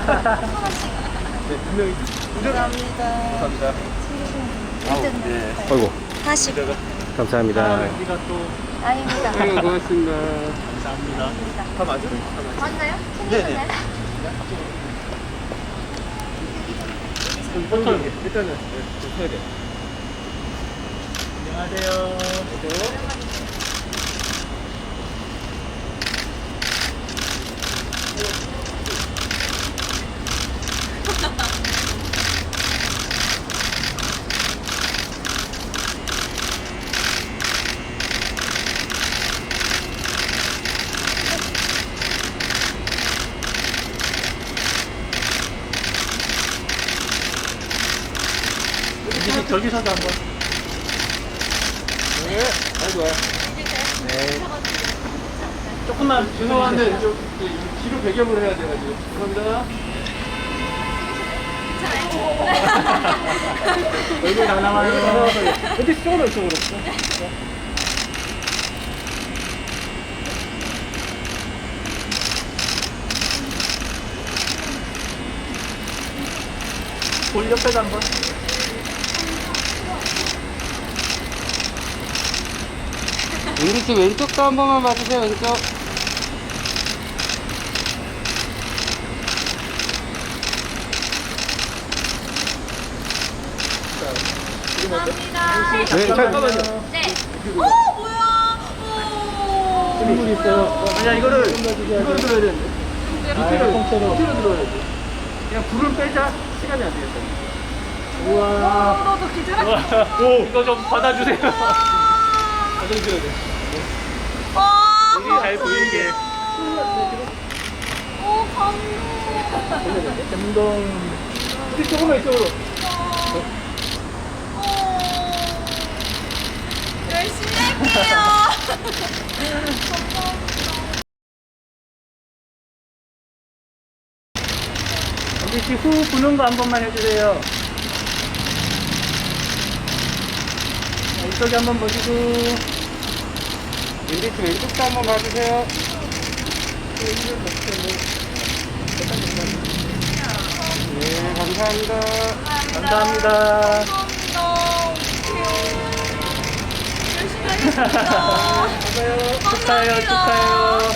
네, 분명히. 감사합니다. 감사합니다. 네. 아이고, 40. 감사합니다. 여기가 또. 아닙니다. 아이고, 고맙습니다. 감사합니다. 다 맞아요? 맞나요? 네네. 챙기셨나요? 버터 일단은 좀 해야 돼. 안녕하세요. 저기서도 한번. 네, 아주 좋아요. 네. 조금만 죄송한데 좀 뒤로 배경을 해야 돼가지고. 감사합니다. 얼굴 다 나와요. 근데 이쪽으로 이쪽으로. 볼 옆에도 한번. 윤기 씨 왼쪽도 한 번만 봐주세요, 왼쪽. 감사합니다. 네, 잠깐만요. 네. 오, 뭐야? 오. 선물 있어요. 아니야, 이거를 들어야 되는데. 밑으로 들어야지. 그냥 불을 빼자. 시간이 안 되겠다. 우와. 너도 기절할 오, 이거 좀 받아주세요. 받아주셔야 돼. 와, 여기 잘 보이게. 오, 감동. 감동. 조금만 이쪽으로. 열심히 할게요. 여기 씨 후 부는 거 한 번만 해주세요. 자, 이쪽에 한번 보시고. 윤기 씨 왼쪽도 한 번 봐주세요. 네, 감사합니다. 감사합니다. 감사합니다. 열심히 하겠습니다. 축하해요, 축하해요.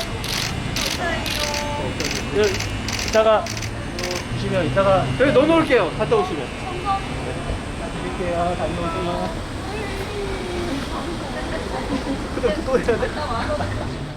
이따가 보시면 이따가 여기 넣어놓을게요. 갔다 오시면. 드릴게요. 다녀오세요. 그래, 또 해야 돼?